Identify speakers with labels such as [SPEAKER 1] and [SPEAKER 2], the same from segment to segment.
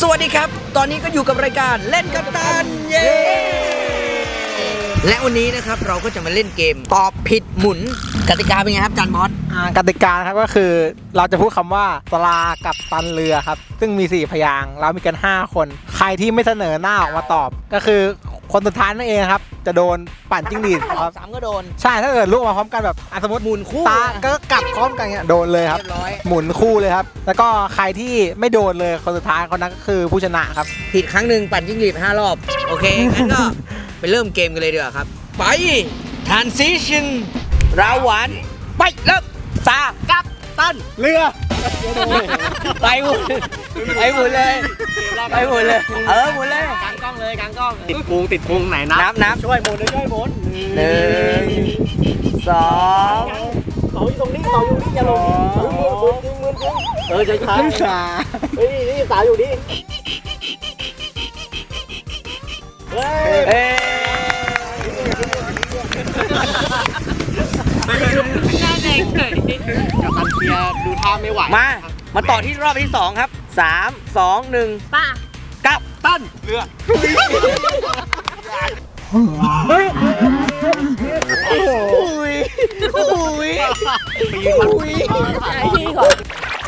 [SPEAKER 1] สวัสดีครับตอนนี้ก็อยู่กับรายการเล่นกับตันเย้และวันนี้นะครับเราก็จะมาเล่นเกมตอบผิดหมุนกติกาเป็นไงครับจันบอส
[SPEAKER 2] กติกาครับก็คือเราจะพูดคำว่าปลากับตันเรือครับซึ่งมี4พยางค์เรามีกัน5คนใครที่ไม่เสนอหน้าออกมาตอบก็คือคนสุดท้ายนั่นเองครับจะโดนปั่นจิ้งหรีดครับ
[SPEAKER 1] 3ก็โดน
[SPEAKER 2] ใช่ถ้าเกิดลูกมาพร้อมกันแบบสมมติ
[SPEAKER 1] หมุนคู่
[SPEAKER 2] ตาก็กลับพร้อมกันเนี่ยโดนเลยครับหมุนคู่เลยครับแล้วก็ใครที่ไม่โดนเลยคนสุดท้ายคนนั้นก็คือผู้ชนะครับ
[SPEAKER 1] ผิดครั้งหนึ่งปั่นจิ้งหรีด5 รอบโอเคงั้นก็ไปเริ่มเกมกันเลยดีกว่าครับไป transition ราวหวานไปเริ่มซากับตัน
[SPEAKER 2] เรือ
[SPEAKER 1] ไปหมุนไปหมุนเลยไปหมุนเลยหมุนเลย
[SPEAKER 2] กางกล้องเลยกางกล้องติดพุงไหน
[SPEAKER 1] นับ
[SPEAKER 2] ช่วยหมุนช่วยหมุน
[SPEAKER 1] 1 2
[SPEAKER 2] ต่ออยู่ตรงนี้อย่าลงมือจะช้านี่สาวอยู่นี่
[SPEAKER 1] หน้า
[SPEAKER 2] แดงเฉยกับตันเปียดูท่าไม่ไหว
[SPEAKER 1] มาต่อที่รอบที่2ครับ3 2 1
[SPEAKER 3] ป้า
[SPEAKER 1] กับตัน
[SPEAKER 2] เรือ
[SPEAKER 3] ที่ก่อน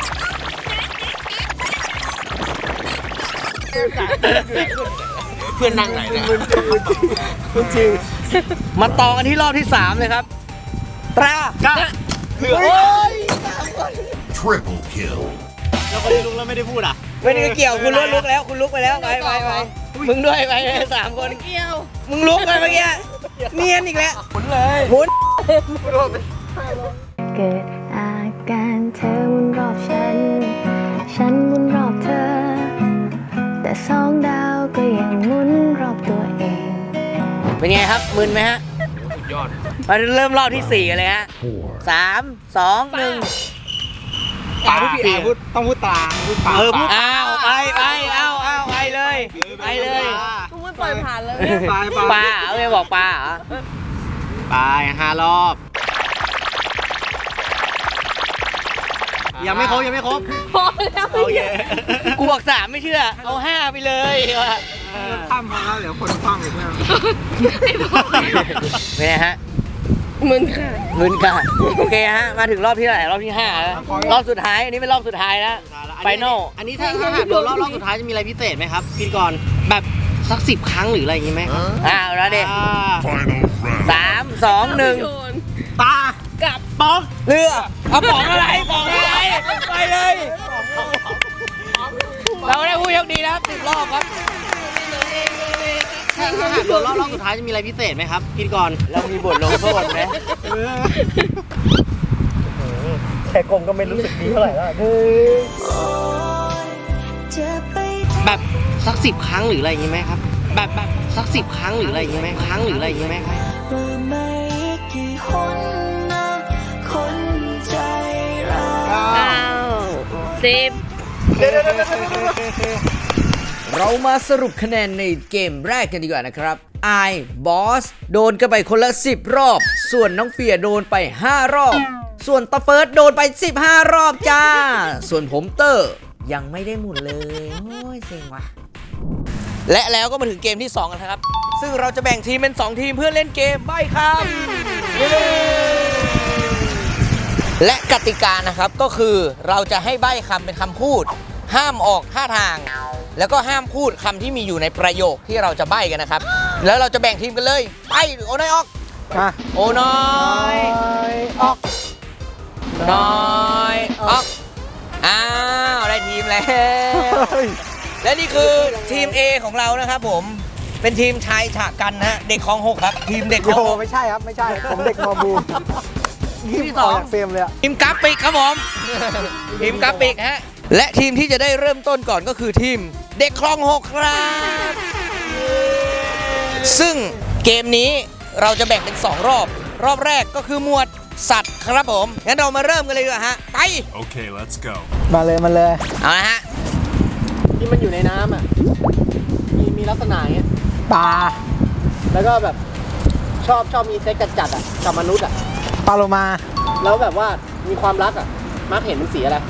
[SPEAKER 1] เพื่อนนั่งไหนเนี่ยจริงมาต่อกันที่รอบที่3เลยครับตรา
[SPEAKER 2] เรือ
[SPEAKER 4] Triple kill
[SPEAKER 2] แล้วคนที่ลุกแล้วไม่ได้พูดอ่ะ
[SPEAKER 1] ไม่ได้เกี่ยวคุณลุกแล้วคุณลุกไปแล้วไปมึงด้วยไป3 คน
[SPEAKER 3] เกี่ยว
[SPEAKER 1] มึงลุกไปเมื่อกี้เนียนอีกแล้ว
[SPEAKER 2] หมุนเลย
[SPEAKER 1] หมุน
[SPEAKER 5] เกิดอาการเธอหมุนรอบฉันหมุนรอบเธอแต่2 ดาวก็ยังหมุนรอบตัวเอง
[SPEAKER 1] เป็นไงครับมึนไหมฮะ
[SPEAKER 2] สุดยอด
[SPEAKER 1] มาเริ่มรอบที่4กันเลยฮะ3 2 1
[SPEAKER 2] ตาพี่แอพูดต้องพูดตาพูดปา
[SPEAKER 1] ไปไปเลย
[SPEAKER 3] กูไม่ปล่อยผ่านเลย
[SPEAKER 1] ปลาเลยบอกปลาเหรอ
[SPEAKER 2] ไป5 รอบยังไม่ครบ
[SPEAKER 3] พอแล้ว
[SPEAKER 2] โอเค
[SPEAKER 1] กูบอก3ไม่เชื่อเอา5ไปเลย
[SPEAKER 2] ข้ามพอแล้วเดี๋ยวคนฟังอีกแล้ว
[SPEAKER 1] เป็นไงฮะ
[SPEAKER 3] มึนค่ะ
[SPEAKER 1] โอเคฮะมาถึงรอบที่เท่าไหร่รอบที่5แล้วรอบสุดท้ายอันนี้เป็นรอบสุดท้ายแล้วไฟนอล
[SPEAKER 2] อันนี้ถ้าหากโดนรอบสุดท้ายจะมีอะไรพิเศษไหมครับพี่ก่อนแบบสัก10 ครั้งหรืออะไรอย่างงี้ไหมครับ
[SPEAKER 1] แล้วเด็ก3 2 1
[SPEAKER 2] ตา
[SPEAKER 3] กับ
[SPEAKER 1] ป๋องเรือเอาป๋องอะไรไปเลยเราได้ผู้โชคดีนะครับ10 รอบครับ
[SPEAKER 2] ถ้าหากโดนรอบสุดท้ายจะมีอะไรพิเศษไหมครับพี่ก่อน
[SPEAKER 1] เรามีบทลงโทษไหม
[SPEAKER 2] แค่กลมก็ไม่รู้สึกดีเท่าไหร่แล้วแบบสัก10 ครั้งหรืออะไรอย่างงี้ไหมครับแบบสัก10 ครั้งหรืออะไรอย่างงี้ไหมครับ
[SPEAKER 3] 10
[SPEAKER 1] เรามาสรุปคะแนนในเกมแรกกันดีกว่านะครับไอบอสโดนกันไปคนละ10 รอบส่วนน้องเฟียโดนไป5 รอบส่วนตาเฟิร์สโดนไป15 รอบจ้าส่วนผมเตอร์ยังไม่ได้หมุนเลยโอ้ยเซ็งว่ะและแล้วก็มาถึงเกมที่2กันครับซึ่งเราจะแบ่งทีมเป็น2 ทีมเพื่อเล่นเกมใบ้คำและกติกานะครับก็คือเราจะให้ใบ้คำเป็นคำพูดห้ามออกท่าทางแล้วก็ห้ามพูดคำที่มีอยู่ในประโยคที่เราจะใบ้กันนะครับแล้วเราจะแบ่งทีมกันเลยไปโอน้อยออกโอน้อยออกน้อยออกได้ทีมแล้วและนี่คือทีม A ของเรานะครับผมเป็นทีมชายฉะกันนะเด็กคลอง6ครับทีมเด็กคลอง6
[SPEAKER 2] ไม่ใช่ครับไม่ใช่ผมเด็กมอบู
[SPEAKER 1] ทีมที่2
[SPEAKER 2] เฟรมเลย
[SPEAKER 1] ทีมกราฟิกครับผมทีมกราฟิกฮะและทีมที่จะได้เริ่มต้นก่อนก็คือทีมเด็กคลอง6ครับซึ่งเกมนี้เราจะแบ่งเป็น2 รอบแรกก็คือหมวดสัตว์ครับผมงั้นเรามาเริ่มกันเลยดีกว่าฮะไป
[SPEAKER 4] โอเค let's go
[SPEAKER 2] มาเลย
[SPEAKER 1] เอาละฮะ
[SPEAKER 2] ที่มันอยู่ในน้ำอ่ะมีลักษณะอย่างเงี้ยปลาแล้วก็แบบชอบมีเซ็กจัดอ่ะกับมนุษย์อ่ะปลาโลมาแล้วแบบว่ามีความรักอ่ะมักเห็นเป็นสีอะไร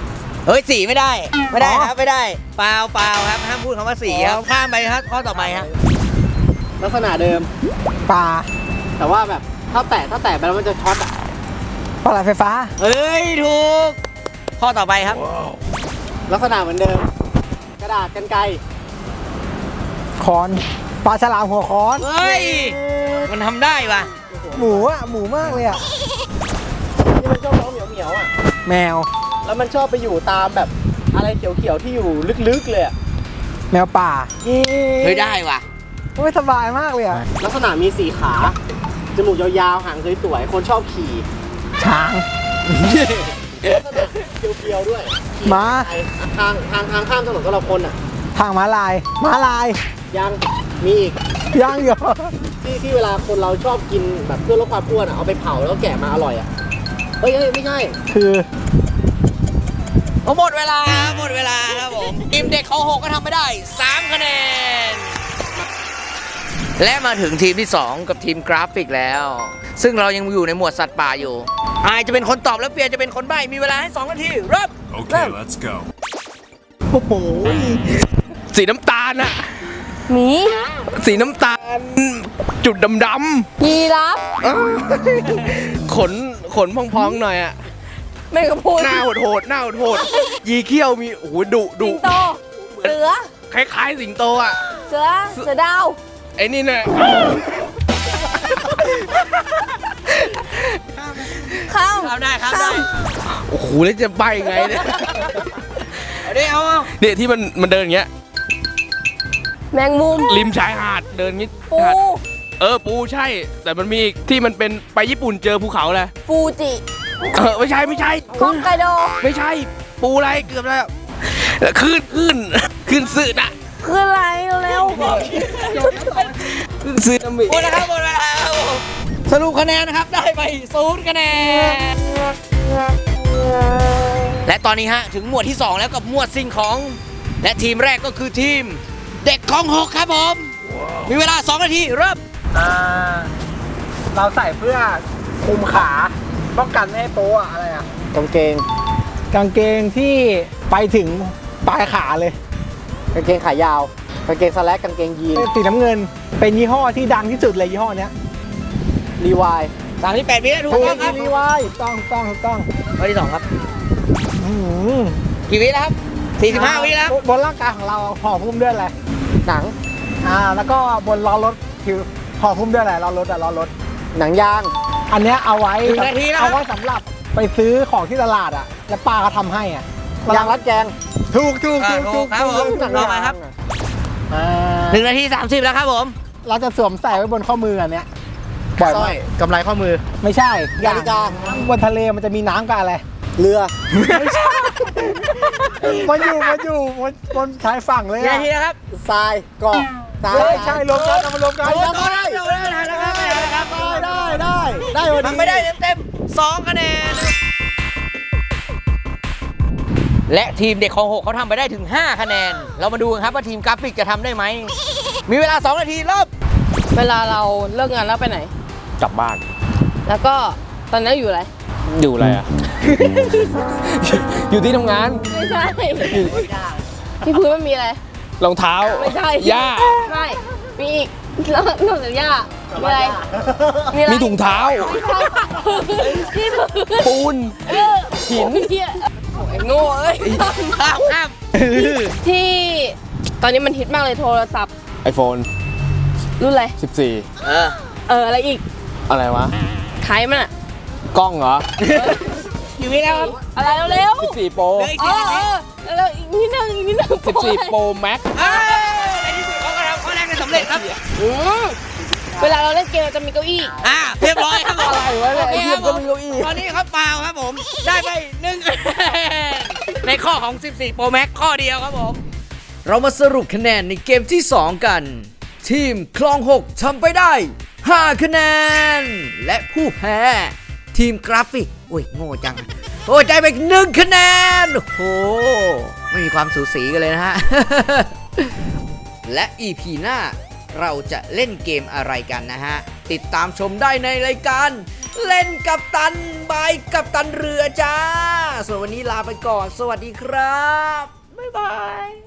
[SPEAKER 1] เฮ้ยสีไม่ได้ไม่ได้
[SPEAKER 2] อ๋อ
[SPEAKER 1] ครับไม่ได้เปล่าครับห้ามพูดคำว่าสีครับข้ามไปครับข้อต่อไปครับ
[SPEAKER 4] ลักษณะเดิม
[SPEAKER 2] ปลา
[SPEAKER 4] แต่ว่าแบบถ้าแตะไปแล้วมันจะช็อตอะ
[SPEAKER 2] ปลาไหลไฟฟ้า
[SPEAKER 1] เฮ้ยถูกข้อต่อไปครับ
[SPEAKER 4] ลักษณะเหมือนเดิม กระดาษกรรไกร
[SPEAKER 2] คอนปลาฉลามหัวคอน
[SPEAKER 1] เฮ้ยมันทำได้ปะ
[SPEAKER 2] หมูอ่ะหมูมากเลยอ่ะ
[SPEAKER 4] ที่มันชอบร้องเหมียวๆอ่ะ
[SPEAKER 2] แมว
[SPEAKER 4] แล้วมันชอบไปอยู่ตามแบบอะไรเขียวๆที่อยู่ลึกๆเลยอะ
[SPEAKER 2] แมวป่า
[SPEAKER 1] เฮ้ยได้วะ
[SPEAKER 2] ไม่สบายมากเลยอ่ะ
[SPEAKER 4] ลักษณะมี4 ขาจมูกยาวๆหางสวยๆคนชอบขี่
[SPEAKER 2] ช้าง
[SPEAKER 4] ลักษณะเพียวๆด้วยขี่
[SPEAKER 2] ม้า
[SPEAKER 4] ไปทางข้ามถนนสำหรับคนอ่ะ
[SPEAKER 2] ทางม้าลาย
[SPEAKER 4] ยังมีอีก
[SPEAKER 2] ย่างเหรอ
[SPEAKER 4] ที่เวลาคนเราชอบกินแบบเพื่อลดความอ้วนอ่ะเอาไปเผาแล้วแกะมาอร่อยอ่ะเฮ้ยไม่ใช่
[SPEAKER 2] คือ
[SPEAKER 1] หมดเวลาครับผมทีมเด็กของ6ก็ทำไม่ได้ 3 คะแนน และมาถึงทีมที่ 2 กับทีมกราฟิกแล้ว ซึ่งเรายังอยู่ในหมวดสัตว์ป่าอยู่อายจะเป็นคนตอบแล้วเปียจะเป็นคนใบ้มีเวลาให้ 2 นาทีเริ่ม
[SPEAKER 6] Okay, let's go.
[SPEAKER 2] โอ้โห
[SPEAKER 7] สีน้ำตาลอะ
[SPEAKER 3] หมี
[SPEAKER 7] สีน้ำตาล จุดดำ
[SPEAKER 3] ยีราฟ
[SPEAKER 7] ๆขนพองๆหน่อยอะ
[SPEAKER 3] แมงกะพรุน
[SPEAKER 7] หน้าโหดๆยีเขี้ยวมีโอ้โหดุ
[SPEAKER 3] สิงโต เสือ
[SPEAKER 7] คล้ายๆสิงโตอะ
[SPEAKER 3] เสือดาว
[SPEAKER 7] ไอ้นี่น่ะ
[SPEAKER 3] ข้าม
[SPEAKER 1] ครับได้ครับได้
[SPEAKER 7] โอ้โหแล้วจะใบไงเนี่ย
[SPEAKER 1] เอาดิเอา
[SPEAKER 7] เนี่ยที่มันเดินอย่างเงี้ย
[SPEAKER 3] แมงมุม
[SPEAKER 7] ริมชายหาดเดินงี้
[SPEAKER 3] ปู
[SPEAKER 7] หาดปูใช่ แต่มันมีอีกที่มันเป็นไปญี่ปุ่นเจอภูเขาแหละ
[SPEAKER 3] ฟูจิ
[SPEAKER 7] ไม่ใช่
[SPEAKER 3] ฮอกไกโด
[SPEAKER 7] ไม่ใช่ ปูอะไรเกือบแล้วขึ้นสื่อนะ
[SPEAKER 3] คืออะไรเร็ว
[SPEAKER 7] ขึ้นสื่อน้ำมี
[SPEAKER 1] หมดแล้วครับหมดเวลาครับผมสรุปคะแนนนะครับได้ไป0 คะแนน และตอนนี้ฮะถึงหมวดที่ 2 แล้วกับหมวดสิ่งของ และทีมแรกก็คือทีมเด็กของ6ครับผม มีเวลา 2 นาทีเริ่ม
[SPEAKER 2] เราใส่เพื่อคุมขาป้องกันไม่ให้โป๊ะอะไรอ่ะ
[SPEAKER 4] กางเกง
[SPEAKER 2] กางเกงที่ไปถึงปลายขาเลย
[SPEAKER 4] กางเกงขายาวกางเกงสแลกกางเกงยีน
[SPEAKER 2] เป็นสีน้ำเงิน เป็นยี่ห้อที่ดังที่สุดเลยยี่ห้อเนี้ย
[SPEAKER 4] รีวาย
[SPEAKER 1] 38 วินาทีถูกต้องครับ
[SPEAKER 2] รีวายต้อง
[SPEAKER 1] ข้อที่ 2 ครับ
[SPEAKER 2] อื้อหือ
[SPEAKER 1] กี่วิแล้วครับ 45 วิแล้ว
[SPEAKER 2] บนร่างกายของเราห่อหุ้มด้วยอะไร
[SPEAKER 4] หนัง
[SPEAKER 2] แล้วก็บนล้อรถคือห่อหุ้มด้วยอะไรล้อรถล้อรถ
[SPEAKER 4] หนังยาง
[SPEAKER 2] อันเนี้ยเอาไว้
[SPEAKER 1] หนึ่งนาทีแล้ว
[SPEAKER 2] เอาไว้สำหรับไปซื้อของที่ตลาดอ่ะ แล้วป้าเขาทำให้อ่ะ
[SPEAKER 4] ยางรัดแกง
[SPEAKER 2] ถูก
[SPEAKER 1] ถูกครับผม
[SPEAKER 4] หนัง
[SPEAKER 1] ต่อย
[SPEAKER 4] าง
[SPEAKER 1] มาครับ
[SPEAKER 2] อ่า
[SPEAKER 1] 1 นาที 30 แล้วครับผม
[SPEAKER 2] เราจะสวมใส่ไว้บนข้อมืออันเนี้ยบ่อย
[SPEAKER 4] สร้
[SPEAKER 2] มา
[SPEAKER 4] อก ยกำไรข้อมือ
[SPEAKER 2] ไม่ใช่
[SPEAKER 4] นาฬิกา
[SPEAKER 2] บนทะเลมันจะมีน้ำกับอะไร
[SPEAKER 4] เรือ
[SPEAKER 2] มันอยู่บนชายฝั่งเลย
[SPEAKER 1] กี่
[SPEAKER 2] อะ
[SPEAKER 1] นาทีแล้วครับ
[SPEAKER 4] ทรายเกาะทราย
[SPEAKER 2] ใช่รวมกันเอามารวมกัน
[SPEAKER 4] เอาได้ ได้วัน
[SPEAKER 1] ทำ
[SPEAKER 4] นี้
[SPEAKER 1] ไม่ได้เต็มๆ2 คะแนน และทีมเด็กของ6เขาทำไปได้ถึง 5 คะแนน เรามาดูกันครับว่าทีมกราฟิกจะทำได้ไหม มีเวลา 2 นาทีเริ่ม
[SPEAKER 3] เวลาเราเลิกงานแล้วไปไหน
[SPEAKER 7] กลับบ้าน
[SPEAKER 3] แล้วก็ตอนนั้นอยู่อะไร
[SPEAKER 7] อยู่อะไรอะ อยู่ที่ทำงาน
[SPEAKER 3] ไม่ใช่ ที่พื้นมันมีอะไร
[SPEAKER 7] รองเท้า
[SPEAKER 3] ไม่ใช่
[SPEAKER 7] หญ้า
[SPEAKER 3] ไม่ มีอีกนอกจากหญ้ามีอะไร มีอะไร
[SPEAKER 7] มีถุงเท้า
[SPEAKER 3] ที่พื้น
[SPEAKER 7] ปูน
[SPEAKER 3] หินโอ้ยโง่เอ้ย
[SPEAKER 1] ข้าม
[SPEAKER 3] ที่ตอนนี้มันฮิตมากเลยโทรศัพท์
[SPEAKER 7] iPhone
[SPEAKER 3] รุ่นอะไร
[SPEAKER 7] 14
[SPEAKER 3] อะไรอีก
[SPEAKER 7] อะไรวะ
[SPEAKER 3] ท้ายมันอะ
[SPEAKER 7] กล้องเหรอ
[SPEAKER 1] อยู่นี่แล้วครับ
[SPEAKER 3] อะไรเร็ว
[SPEAKER 7] 14 Pro
[SPEAKER 1] เหลืออีก
[SPEAKER 3] แล้วอีกนิดนึง
[SPEAKER 7] 14 Pro Max
[SPEAKER 1] ในที่สุดเขาก็ทำข้อแรกได้สำเร็จครับ
[SPEAKER 3] เวลาเราเล่นเกมเราจะมีเก้าอี้
[SPEAKER 1] เรียบร้อยครับผม
[SPEAKER 2] อะไรวะเนี่ย
[SPEAKER 1] โอ
[SPEAKER 2] ไอ้
[SPEAKER 1] เค
[SPEAKER 2] เหี้
[SPEAKER 1] ค
[SPEAKER 2] ย
[SPEAKER 1] รับ
[SPEAKER 2] ก็
[SPEAKER 1] ผม
[SPEAKER 2] มีเก้าอี้
[SPEAKER 1] ตอนนี้ครับเปล่าครับผม ได้ไป1 คะแนนในข้อของ 14 Pro Max ข้อเดียวครับผม เรามาสรุปคะแนนในเกมที่ 2 กัน ทีมคลอง 6ทำไปได้ 5 คะแนน และผู้แพ้ ทีมกราฟิกโอ้ยโง่จังโอ้ยใจไปอีก1 คะแนน โอ้โห ไม่มีความสูสีกันเลยนะฮะ และ EP หน้าเราจะเล่นเกมอะไรกันนะฮะ ติดตามชมได้ในรายการเล่นกับตันบายกับตันเรือจ้าส่วนวันนี้ลาไปก่อนสวัสดีครับบ๊ายบาย